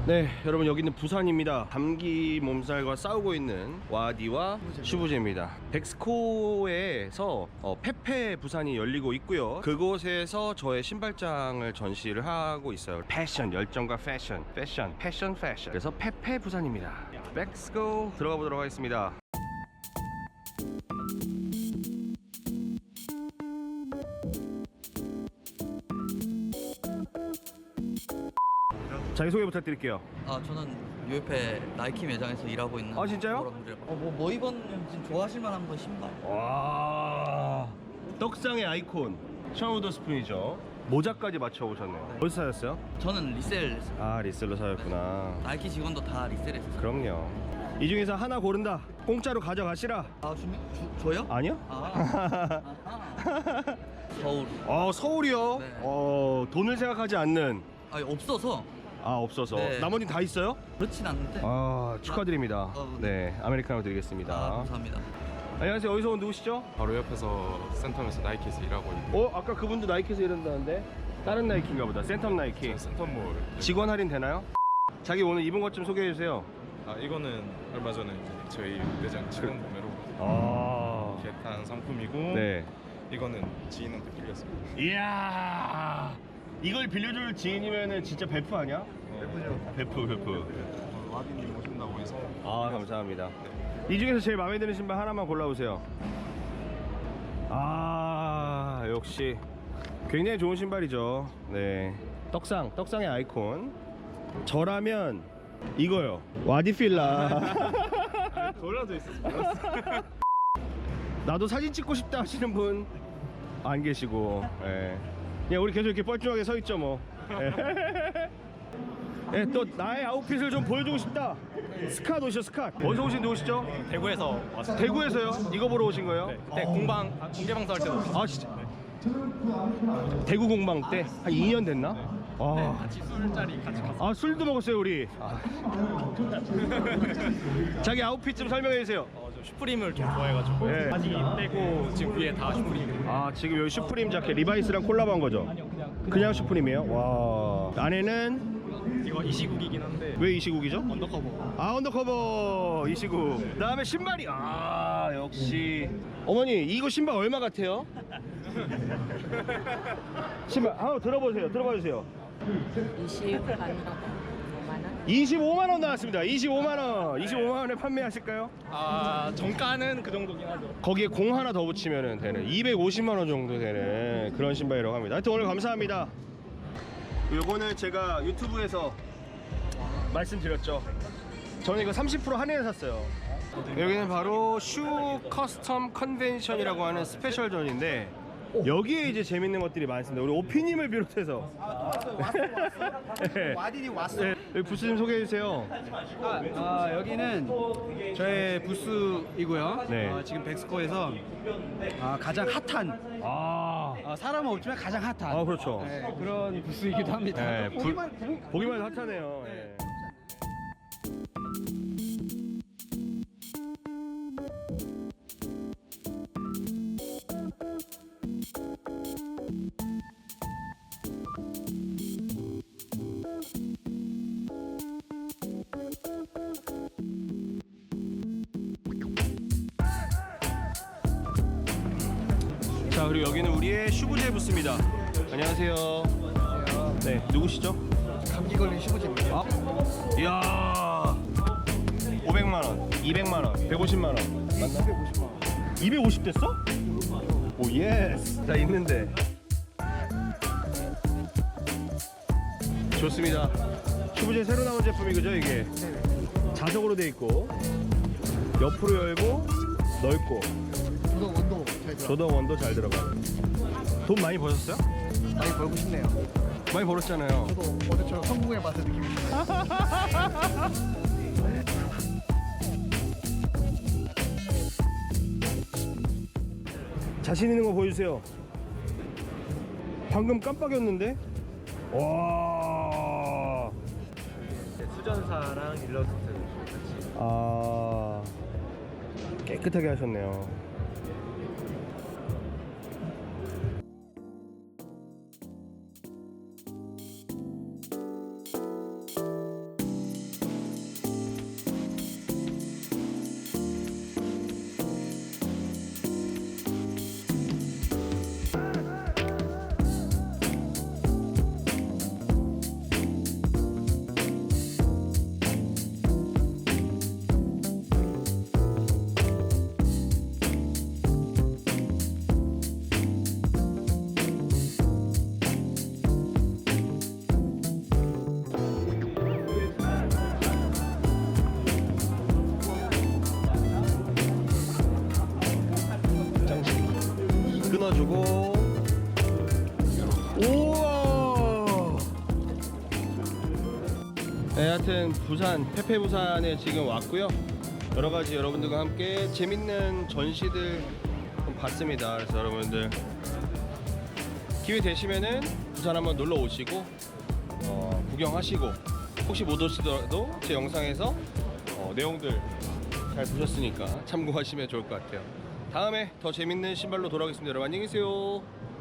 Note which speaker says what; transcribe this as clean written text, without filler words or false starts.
Speaker 1: 네, 여러분 여기는 부산입니다. 감기 몸살과 싸우고 있는 와디와 슈부제입니다. 백스코에서 페페 부산이 열리고 있고요. 그곳에서 저의 신발장을 전시를 하고 있어요. 패션, 열정과 패션. 그래서 페페 부산입니다. 백스코 들어가 보도록 하겠습니다. 자기소개 부탁드릴게요.
Speaker 2: 저는 UF의 나이키 매장에서 일하고 있는.
Speaker 1: 아, 진짜요?
Speaker 2: 뭐 입었는지 좋아하실 만한 거 신발.
Speaker 1: 와, 떡상의 아이콘 샤우더 스푼이죠. 모자까지 맞춰오셨네요. 어디서 사셨어요?
Speaker 2: 저는 리셀.
Speaker 1: 아, 리셀로 사셨구나.
Speaker 2: 나이키 직원도 다 리셀했어요.
Speaker 1: 그럼요. 이 중에서 하나 고른다. 공짜로 가져가시라.
Speaker 2: 저요?
Speaker 1: 아니요?
Speaker 2: 서울.
Speaker 1: 서울이요?
Speaker 2: 네.
Speaker 1: 돈을 생각하지 않는.
Speaker 2: 없어서.
Speaker 1: 없어서.
Speaker 2: 네.
Speaker 1: 나머지는 다 있어요?
Speaker 2: 그렇진 않는데.
Speaker 1: 축하드립니다.
Speaker 2: 네.
Speaker 1: 네, 아메리카노 드리겠습니다.
Speaker 2: 감사합니다.
Speaker 1: 안녕하세요. 어디서 온 누구시죠?
Speaker 3: 바로 옆에서 센텀에서 나이키에서 일하고 있는
Speaker 1: 아까 그분도 나이키에서 일한다는데? 다른 나이키인가 보다. 센텀 나이키.
Speaker 3: 센텀몰.
Speaker 1: 직원 할인 되나요? 자기 오늘 입은 것 좀 소개해 주세요.
Speaker 3: 이거는 얼마 전에 이제 저희 매장 직원 구매로 개탄 상품이고,
Speaker 1: 네.
Speaker 3: 이거는 지인한테 빌렸습니다.
Speaker 1: 이야, 이걸 빌려줄 지인이면은 진짜 베프 아니야? 베프.
Speaker 3: 와디님 오신다고 해서.
Speaker 1: 감사합니다. 이 중에서 제일 마음에 드는 신발 하나만 골라보세요. 역시 굉장히 좋은 신발이죠. 네, 떡상의 아이콘. 저라면 이거요. 와디필라.
Speaker 3: 돌아도 있었어. 몰랐어.
Speaker 1: 나도 사진 찍고 싶다 하시는 분 안 계시고, 그냥 우리 계속 이렇게 뻘쭘하게 서 있죠 뭐. 또 나의 아웃핏을 좀 보여주고 싶다. 스캇 오시죠, 스캇. 어디서 오신 누구시죠?
Speaker 4: 대구에서 왔어요.
Speaker 1: 대구에서요? 이거 보러 오신 거예요?
Speaker 4: 네, 그때 공개방송 할 때도 왔어요.
Speaker 1: 진짜? 대구 공방 때? 한 2년 됐나?
Speaker 4: 같이 술자리 같이 갔어요.
Speaker 1: 술도 먹었어요 우리. 자기 아웃핏 좀 설명해 주세요.
Speaker 4: 저 슈프림을 좀 좋아해가지고
Speaker 1: 네.
Speaker 4: 바지 빼고 지금 위에 다 슈프림.
Speaker 1: 지금 여기 슈프림 자켓 리바이스랑 콜라보한 거죠?
Speaker 4: 아니요,
Speaker 1: 그냥 슈프림이에요? 와. 안에는
Speaker 4: 이거 이 시국이긴 한데
Speaker 1: 왜 이 시국이죠?
Speaker 4: 언더커버.
Speaker 1: 언더커버 이 시국. 그다음에 신발이 역시. 어머니 이거 신발 얼마 같아요? 신발 한번 들어봐 주세요. 25만 원 나왔습니다. 25만 원에 판매하실까요?
Speaker 4: 정가는 그 정도긴 하죠.
Speaker 1: 거기에 공 하나 더 붙이면 되는 250만 원 정도 되는 그런 신발이라고 합니다. 하여튼 오늘 감사합니다. 요거는 제가 유튜브에서 말씀드렸죠. 저는 이거 30% 할인해 샀어요. 여기는 바로 슈 커스텀 컨벤션이라고 하는 스페셜 존인데, 여기에 이제 재밌는 것들이 많습니다. 우리 오피님을 비롯해서.
Speaker 5: 와디님 왔어.
Speaker 1: 네, 여기 부스 좀 소개해 주세요.
Speaker 5: 여기는 저의 부스이고요.
Speaker 1: 네.
Speaker 5: 지금 백스코에서 가장 핫한 사람은 없지만 가장 핫한
Speaker 1: 그렇죠.
Speaker 5: 그런 부스이기도 합니다.
Speaker 1: 네, 보기만 해도
Speaker 5: 네.
Speaker 1: 핫하네요. 자, 그리고 여기는 우리의 슈부제 부스입니다. 안녕하세요. 네, 누구시죠?
Speaker 5: 감기 걸린 슈부제입니다.
Speaker 1: 이야, 500만 원, 200만 원, 150만 원 맞나?
Speaker 5: 250만 원.
Speaker 1: 250 됐어? 오 예스. 자, 있는데 좋습니다. 슈부제 새로 나온 제품이 그죠 이게? 자석으로 돼 있고 옆으로 열고 넓고 조동 원도 잘 들어가요. 돈 많이 버셨어요?
Speaker 5: 많이 벌고 싶네요.
Speaker 1: 많이 벌었잖아요.
Speaker 5: 저도 어제처럼 성공의 맛을 느끼고 싶어요.
Speaker 1: 자신 있는 거 보여주세요. 방금 깜빡였는데? 와.
Speaker 4: 수전사랑 일러스트 같이.
Speaker 1: 깨끗하게 하셨네요. 뜯어주고. 우와. 네, 하여튼 부산 페페 부산에 지금 왔고요. 여러 가지 여러분들과 함께 재밌는 전시들 좀 봤습니다. 그래서 여러분들 기회 되시면은 부산 한번 놀러 오시고 구경하시고, 혹시 못 오시더라도 제 영상에서 내용들 잘 보셨으니까 참고하시면 좋을 것 같아요. 다음에 더 재밌는 신발로 돌아오겠습니다. 여러분 안녕히 계세요.